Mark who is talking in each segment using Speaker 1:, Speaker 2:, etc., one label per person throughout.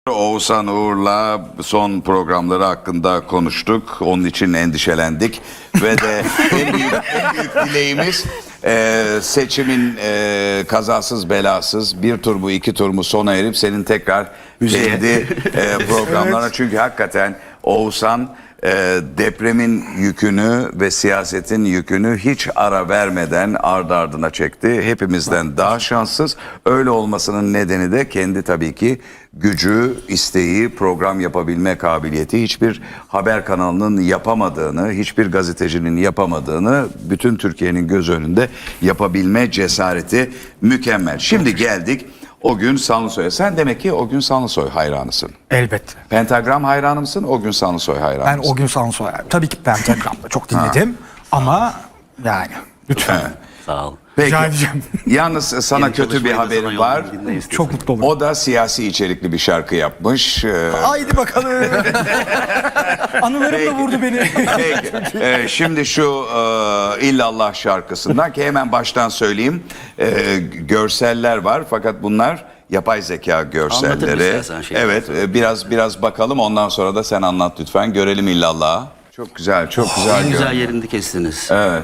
Speaker 1: Oğuzhan Uğur'la son programları hakkında konuştuk. Onun için endişelendik. Ve de en büyük dileğimiz seçimin kazasız belasız bir tur mu iki tur mu sona erip senin tekrar kendi programlarına. Evet. Çünkü hakikaten Oğuzhan depremin yükünü ve siyasetin yükünü hiç ara vermeden ardı ardına çekti. Hepimizden daha şanssız. Öyle olmasının nedeni de kendi tabii ki gücü, isteği, program yapabilme kabiliyeti. Hiçbir haber kanalının yapamadığını, hiçbir gazetecinin yapamadığını bütün Türkiye'nin göz önünde yapabilme cesareti mükemmel. Şimdi geldik Ogün Sanlısoy'a. Sen demek ki Ogün Sanlısoy hayranısın.
Speaker 2: Elbette.
Speaker 1: Pentagram hayranı mısın? Ogün Sanlısoy hayranı
Speaker 2: Ben
Speaker 1: mısın?
Speaker 2: Ogün Sanlısoy. Tabii ki Pentagram'da çok dinledim. Ama yani lütfen.
Speaker 1: Evet.
Speaker 3: Sağ ol.
Speaker 1: Peki.
Speaker 2: Rica edeceğim.
Speaker 1: Yalnız sana
Speaker 3: Yeni
Speaker 1: kötü bir
Speaker 3: çalışmayı da
Speaker 1: haberim
Speaker 3: sana
Speaker 1: var.
Speaker 3: yollayayım,
Speaker 2: Çok mutlu olurum.
Speaker 1: O da siyasi içerikli bir şarkı yapmış.
Speaker 2: Haydi bakalım. Anılarım da vurdu beni.
Speaker 1: Peki. Şimdi şu İllallah şarkısından ki hemen baştan söyleyeyim. Görseller var fakat bunlar yapay zeka görselleri. Evet, biraz bakalım, ondan sonra da sen anlat lütfen. Görelim İllallah'ı. Çok güzel, çok güzel.
Speaker 3: En güzel yerinde kestiniz.
Speaker 1: Evet.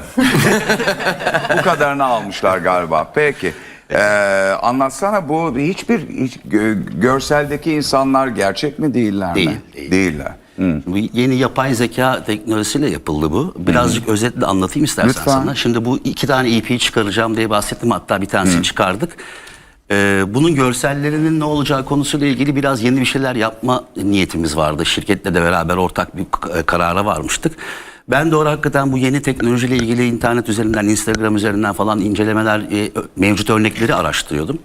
Speaker 1: Bu kadarını almışlar galiba. Peki. Anlatsana, bu hiç görseldeki insanlar gerçek mi değiller mi? Değiller.
Speaker 3: Bu yeni yapay zeka teknolojisiyle yapıldı bu. Birazcık özetle anlatayım istersen
Speaker 1: Lütfen.
Speaker 3: sana. Şimdi bu 2 tane EP çıkaracağım diye bahsettim. Hatta bir tanesini çıkardık. Bunun görsellerinin ne olacağı konusuyla ilgili biraz yeni bir şeyler yapma niyetimiz vardı. Şirketle de beraber ortak bir karara varmıştık. Ben de orada hakikaten bu yeni teknolojiyle ilgili internet üzerinden, Instagram üzerinden falan incelemeler, mevcut örnekleri araştırıyordum.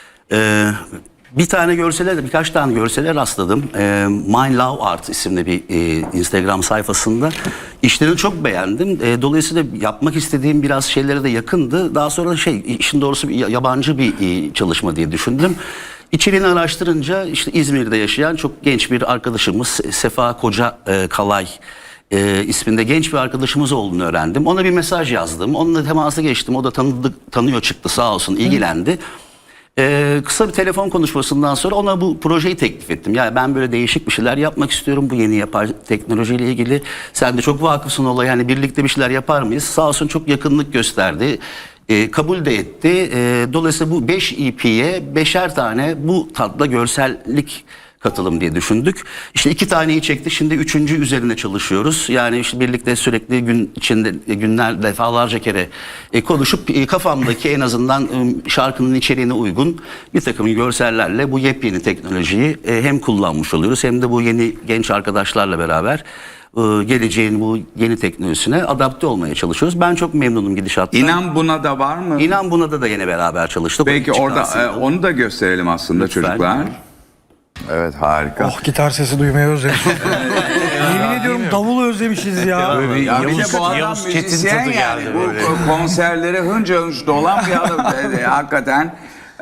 Speaker 3: Bir tane görsele, birkaç tane görsele rastladım. My Love Art isimli bir Instagram sayfasında. İşlerini çok beğendim. Dolayısıyla yapmak istediğim biraz şeylere de yakındı. Daha sonra işin doğrusu yabancı bir çalışma diye düşündüm. İçeriğini araştırınca işte İzmir'de yaşayan çok genç bir arkadaşımız Sefa Koca Kalay isminde genç bir arkadaşımız olduğunu öğrendim. Ona bir mesaj yazdım. Onunla temasa geçtim. O da tanıyor çıktı, sağ olsun, ilgilendi. Kısa bir telefon konuşmasından sonra ona bu projeyi teklif ettim. Yani ben böyle değişik bir şeyler yapmak istiyorum bu yeni yapay teknolojiyle ilgili. Sen de çok vakıfsın olaya, yani birlikte bir şeyler yapar mıyız? Sağ olsun çok yakınlık gösterdi. Kabul de etti. Dolayısıyla bu 5 EP'ye 5'er tane bu tatlı görsellik katılım diye düşündük. İşte 2 taneyi çektik. Şimdi 3. üzerine çalışıyoruz. Yani işte birlikte sürekli gün içinde günler defalarca kere konuşup kafamdaki en azından şarkının içeriğine uygun bir takım görsellerle bu yepyeni teknolojiyi hem kullanmış oluyoruz hem de bu yeni genç arkadaşlarla beraber geleceğin bu yeni teknolojisine adapte olmaya çalışıyoruz. Ben çok memnunum gidişattan.
Speaker 1: İnan Buna da var mı?
Speaker 3: İnan Buna da yine beraber çalıştık.
Speaker 1: Peki orada onu da gösterelim aslında. Lütfen. Çocuklar. Evet, harika.
Speaker 2: Oh, gitar sesi duymayı özlemişiz. Yemin ediyorum davulu özlemişiz ya.
Speaker 1: Ya bir de bu adam müzisyen yani. Bu konserlere hınca hınç dolan bir adam. Hakikaten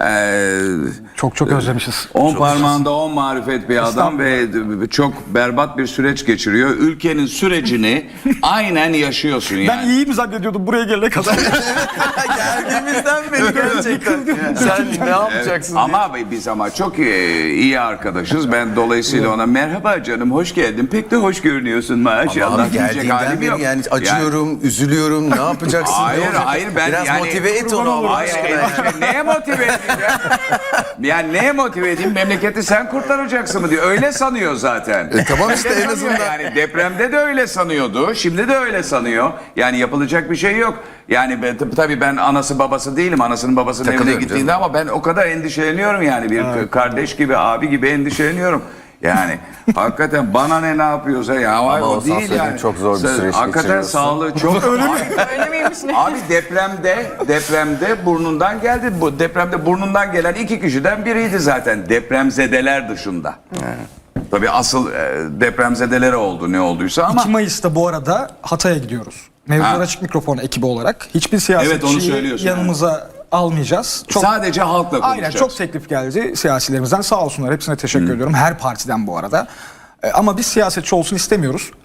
Speaker 2: Çok özlemişiz.
Speaker 1: 10 parmağında 10 marifet bir adam ve çok berbat bir süreç geçiriyor. Ülkenin sürecini aynen yaşıyorsun yani.
Speaker 2: Ben iyiyim zannediyordum buraya gelene kadar.
Speaker 4: Geldiğimizden beri gerçekten. Sen ne yapacaksın?
Speaker 1: Ama biz çok iyi arkadaşız. Ben dolayısıyla ona merhaba canım, hoş geldin. Pek de hoş görünüyorsun maşallah.
Speaker 4: Ama geldiğinden beri yani acıyorum, üzülüyorum. Ne yapacaksın?
Speaker 1: Hayır ben
Speaker 4: biraz
Speaker 1: yani,
Speaker 4: motive et onu Allah aşkına.
Speaker 1: Neye motive edeyim ya? Yani neye motive edeyim? Memleketi sen kurtaracaksın mı diyor. Öyle sanıyor zaten.
Speaker 4: Tamam işte en azından.
Speaker 1: Yani depremde de öyle sanıyordu. Şimdi de öyle sanıyor. Yani yapılacak bir şey yok. Yani tabii ben anası babası değilim. Anasının babasının evine gittiğinde ama ben o kadar endişeleniyorum yani. Bir kardeş gibi, abi gibi endişeleniyorum. Yani hakikaten bana ne yapıyorsa ya.
Speaker 4: Ama
Speaker 1: o değil yani.
Speaker 4: Çok zor bir süreç
Speaker 1: hakikaten sağlığı çok.
Speaker 5: Öyle miymiş ne?
Speaker 1: Abi depremde burnundan geldi. Bu depremde burnundan gelen 2 kişiden biriydi zaten. Depremzedeler dışında. Tabii asıl depremzedelere oldu ne olduysa ama.
Speaker 2: 2 Mayıs'ta bu arada Hatay'a gidiyoruz. Mevzular Açık Mikrofon ekibi olarak. Hiçbir siyasetçiyi yanımıza almayacağız.
Speaker 1: Sadece halkla konuşacağız.
Speaker 2: Aynen, çok teklif geldi siyasilerimizden, sağ olsunlar, hepsine teşekkür ediyorum. Her partiden bu arada. Ama biz siyasetçi olsun istemiyoruz.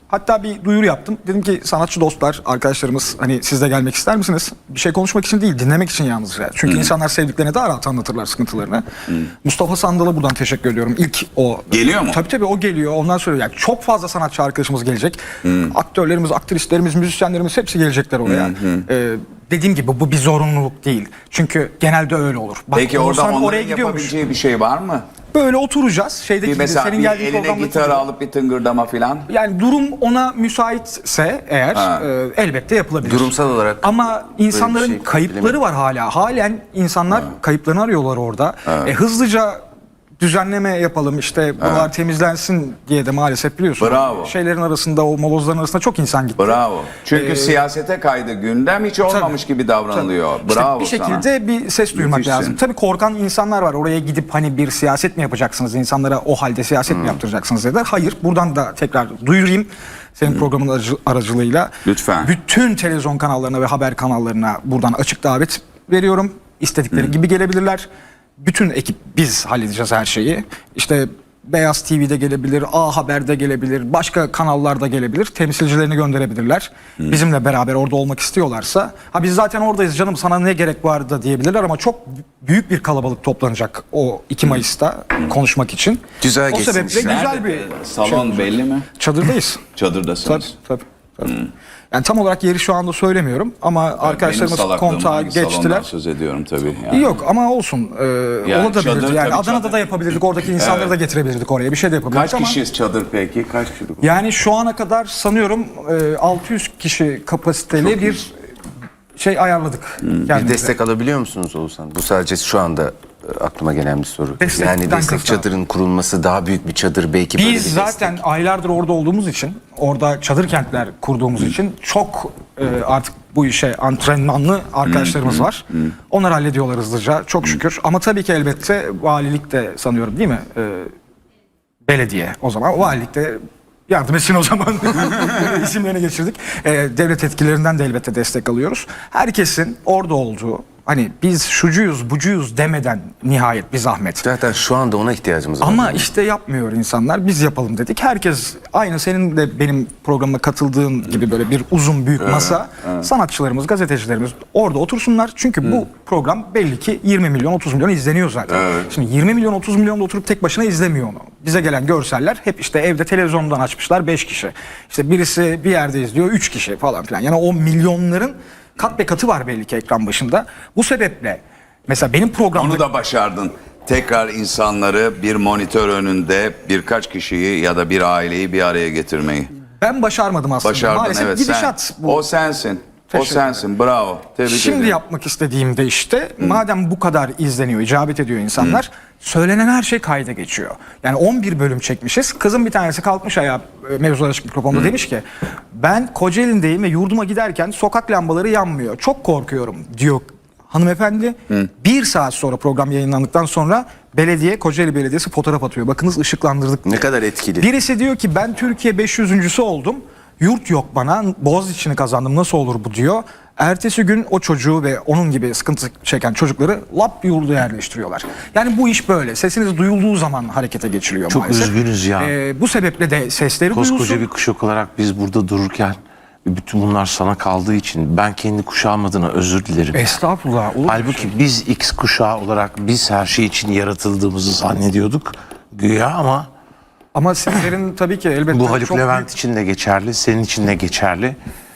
Speaker 2: Hatta bir duyuru yaptım. Dedim ki sanatçı dostlar, arkadaşlarımız hani siz de gelmek ister misiniz? Bir şey konuşmak için değil, dinlemek için yalnızca. Çünkü insanlar sevdiklerine daha rahat anlatırlar sıkıntılarını. Mustafa Sandal'a buradan teşekkür ediyorum. İlk o...
Speaker 1: Geliyor mu?
Speaker 2: Tabii o geliyor. Ondan sonra yani çok fazla sanatçı arkadaşımız gelecek. Aktörlerimiz, aktrislerimiz, müzisyenlerimiz hepsi gelecekler oraya. Dediğim gibi bu bir zorunluluk değil. Çünkü genelde öyle olur. Bak,
Speaker 1: Peki orada
Speaker 2: Oğuzhan
Speaker 1: onların yapabileceği bir şey var mı?
Speaker 2: Böyle oturacağız. Şeydeki
Speaker 1: Bir
Speaker 2: gibi,
Speaker 1: mesela
Speaker 2: senin
Speaker 1: bir
Speaker 2: geldiğin
Speaker 1: eline
Speaker 2: programdaki
Speaker 1: gitar
Speaker 2: gibi.
Speaker 1: alıp bir tıngırdama filan.
Speaker 2: Yani durum ona müsaitse eğer elbette yapılabilir.
Speaker 4: Durumsal olarak
Speaker 2: Ama insanların
Speaker 4: şey
Speaker 2: kayıpları var hala. Halen insanlar kayıplarını arıyorlar orada. Hızlıca düzenleme yapalım işte buralar temizlensin diye de maalesef biliyorsun.
Speaker 1: Bravo.
Speaker 2: Şeylerin arasında, o molozların arasında çok insan gitti.
Speaker 1: Bravo. Çünkü siyasete kaydı gündem, hiç olmamış gibi davranılıyor.
Speaker 2: İşte
Speaker 1: Bravo
Speaker 2: bir
Speaker 1: sana.
Speaker 2: şekilde bir ses duymak
Speaker 1: Müthişsin.
Speaker 2: lazım. Tabii korkan insanlar var. Oraya gidip hani bir siyaset mi yapacaksınız? İnsanlara o halde siyaset mi yaptıracaksınız dediler. Hayır. Buradan da tekrar duyurayım. Senin programın aracılığıyla.
Speaker 1: Lütfen.
Speaker 2: Bütün televizyon kanallarına ve haber kanallarına buradan açık davet veriyorum. İstedikleri gibi gelebilirler. Bütün ekip biz halledeceğiz her şeyi. İşte Beyaz TV'de gelebilir, A Haber'de gelebilir, başka kanallarda gelebilir. Temsilcilerini gönderebilirler. Bizimle beraber orada olmak istiyorlarsa. Ha biz zaten oradayız canım, sana ne gerek var da diyebilirler ama çok büyük bir kalabalık toplanacak o 2 Mayıs'ta konuşmak için.
Speaker 4: Güzel
Speaker 2: o
Speaker 4: geçsin
Speaker 2: sebeple
Speaker 4: işler.
Speaker 2: güzel bir
Speaker 1: Salon belli mi?
Speaker 2: çadırdayız.
Speaker 1: Çadırdasınız.
Speaker 2: Tabii. Yani tam olarak yeri şu anda söylemiyorum ama arkadaşlarımız kontağa geçtiler.
Speaker 1: Söz ediyorum tabii. Yani.
Speaker 2: Yok ama olsun.
Speaker 1: Yani
Speaker 2: Olabilirdi.
Speaker 1: çadır,
Speaker 2: Yani
Speaker 1: tabii
Speaker 2: Adana'da
Speaker 1: çadır.
Speaker 2: da yapabilirdik. Oradaki insanları da getirebilirdik oraya. Bir şey de yapabilirdik
Speaker 1: Kaç
Speaker 2: ama.
Speaker 1: kişiyiz çadır peki? Kaç kişi?
Speaker 2: Yani şu ana kadar sanıyorum 600 kişi kapasiteli bir şey ayarladık.
Speaker 4: bir
Speaker 2: kendimize.
Speaker 4: destek alabiliyor musunuz Oğuzhan? Bu sadece şu anda aklıma gelen bir soru.
Speaker 2: Destekten
Speaker 4: Yani destek
Speaker 2: kasıt.
Speaker 4: çadırın kurulması, daha büyük bir çadır belki böyle bir
Speaker 2: Biz zaten aylardır orada olduğumuz için, orada çadır kentler kurduğumuz için çok artık bu işe antrenmanlı arkadaşlarımız var. Onlar hallediyorlar hızlıca çok şükür. Ama tabii ki elbette valilik de sanıyorum değil mi? Belediye o zaman. Valilik de yardım etsin o zaman. İsimlerini geçirdik. Devlet etkilerinden de elbette destek alıyoruz. Herkesin orada olduğu, hani biz şucuyuz bucuyuz demeden nihayet bir zahmet.
Speaker 4: Zaten şu anda ona ihtiyacımız var.
Speaker 2: Ama işte yapmıyor insanlar. Biz yapalım dedik. Herkes aynı senin de benim programıma katıldığın gibi böyle bir uzun büyük masa. Sanatçılarımız, gazetecilerimiz orada otursunlar. Çünkü bu program belli ki 20 milyon 30 milyon izleniyor zaten. Şimdi 20 milyon 30 milyon da oturup tek başına izlemiyor onu. Bize gelen görseller hep işte evde televizyondan açmışlar 5 kişi. İşte birisi bir yerde izliyor 3 kişi falan filan. Yani o milyonların kat be katı var belli ki ekran başında. Bu sebeple mesela benim programda...
Speaker 1: Onu da başardın. Tekrar insanları bir monitör önünde birkaç kişiyi ya da bir aileyi bir araya getirmeyi.
Speaker 2: Ben başarmadım aslında.
Speaker 1: Başardın,
Speaker 2: Maalesef
Speaker 1: evet.
Speaker 2: gidişat bu.
Speaker 1: O sensin. O
Speaker 2: Teşekkür
Speaker 1: sensin. Bravo. Tebrik
Speaker 2: Şimdi
Speaker 1: ederim.
Speaker 2: yapmak istediğimde işte madem bu kadar izleniyor, icabet ediyor insanlar, söylenen her şey kayda geçiyor. Yani 11 bölüm çekmişiz. Kızım bir tanesi kalkmış ayağa Mevzular Açık Mikrofon'da demiş ki ben Kocaeli'ndeyim ve yurduma giderken sokak lambaları yanmıyor. Çok korkuyorum diyor hanımefendi. 1 saat sonra program yayınlandıktan sonra Kocaeli Belediyesi fotoğraf atıyor. Bakınız ışıklandırdık.
Speaker 4: Ne kadar etkili.
Speaker 2: Birisi diyor ki ben Türkiye 500.'sü oldum. Yurt yok bana. Boğaziçi'ni kazandım. Nasıl olur bu diyor. Ertesi gün o çocuğu ve onun gibi sıkıntı çeken çocukları lap yurda yerleştiriyorlar. Yani bu iş böyle. Sesiniz duyulduğu zaman harekete geçiliyor
Speaker 5: Çok
Speaker 2: maalesef.
Speaker 5: üzgünüz ya.
Speaker 2: Bu sebeple de sesleri
Speaker 5: Koskoca
Speaker 2: duyulsun.
Speaker 5: bir kuşak olarak biz burada dururken bütün bunlar sana kaldığı için ben kendi kuşağım adına özür dilerim.
Speaker 2: Estağfurullah. Olur mu?
Speaker 5: Halbuki biz X kuşağı olarak biz her şey için yaratıldığımızı zannediyorduk güya ama
Speaker 2: Ama sizlerin tabii ki elbette
Speaker 5: bu Haluk
Speaker 2: çok
Speaker 5: Levent
Speaker 2: büyük-
Speaker 5: için de geçerli, senin için de geçerli.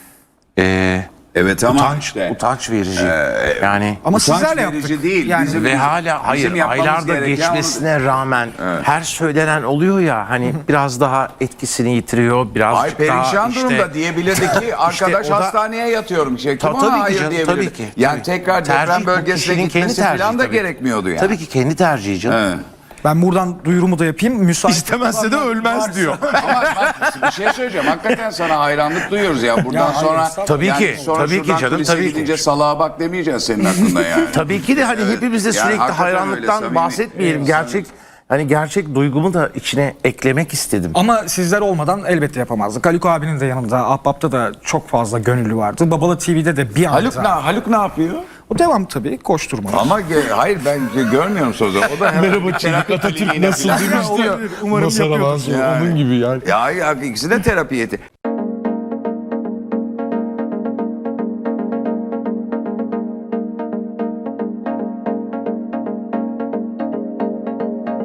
Speaker 1: Evet ama
Speaker 5: Utanç verici. Yani
Speaker 2: Ama
Speaker 1: utanç
Speaker 2: sizlerle
Speaker 1: verici
Speaker 2: yaptık.
Speaker 1: değil.
Speaker 2: Yani
Speaker 1: Bizim-
Speaker 5: ve hala hayır
Speaker 1: yapmamız
Speaker 5: aylarda
Speaker 1: gereken
Speaker 5: geçmesine rağmen her söylenen oluyor ya hani biraz daha etkisini yitiriyor biraz
Speaker 1: Ay perişan
Speaker 5: daha
Speaker 1: durumda diyebilirdi ki arkadaş
Speaker 5: o da-
Speaker 1: hastaneye yatıyorum. Kim
Speaker 5: Tabii
Speaker 1: ona
Speaker 5: ki
Speaker 1: hayır
Speaker 5: canım,
Speaker 1: diyebilirdi.
Speaker 5: tabii ki.
Speaker 1: Yani
Speaker 5: Tabii.
Speaker 1: tekrar
Speaker 5: Tercih
Speaker 1: deprem
Speaker 5: bu
Speaker 1: bölgesine
Speaker 5: kişinin kendi
Speaker 1: gitmesi
Speaker 5: tercihi
Speaker 1: falan da
Speaker 5: tabii.
Speaker 1: gerekmiyordu yani.
Speaker 5: Tabii ki kendi tercihi canım.
Speaker 1: Evet.
Speaker 2: ben buradan duyurumu da yapayım. Müsait
Speaker 5: İstemezse de ölmez diyor.
Speaker 1: Ama bak, bir şey söyleyeceğim. Hakikaten sana hayranlık duyuyoruz ya. Buradan
Speaker 2: Ya hayır,
Speaker 1: sonra
Speaker 5: Tabii
Speaker 1: yani
Speaker 5: ki,
Speaker 1: sonra
Speaker 5: tabii ki
Speaker 1: şuradan
Speaker 5: canım,
Speaker 1: kulise
Speaker 5: tabii ki.
Speaker 1: gidince salağa bak demeyeceksin senin aklında yani.
Speaker 5: Tabii ki de hani hepimiz de
Speaker 1: Yani
Speaker 5: sürekli
Speaker 1: hakikaten öyle,
Speaker 5: hayranlıktan
Speaker 1: samimi.
Speaker 5: bahsetmeyelim. Gerçek hani gerçek duygumu da içine eklemek istedim.
Speaker 2: Ama sizler olmadan elbette yapamazdık. Haluk abinin de yanında, Ahbap'ta da çok fazla gönüllü vardı. Babalı TV'de de bir anda.
Speaker 1: Haluk ne yapıyor?
Speaker 2: O devam tabii, koşturmalar.
Speaker 1: Ama hayır ben görmüyorum sözü. O da merhaba Çelik Atatürk nasıl
Speaker 2: Olabilir, umarım yapıyordur.
Speaker 1: Onun gibi yani. Ya ikisi de terapi yeti.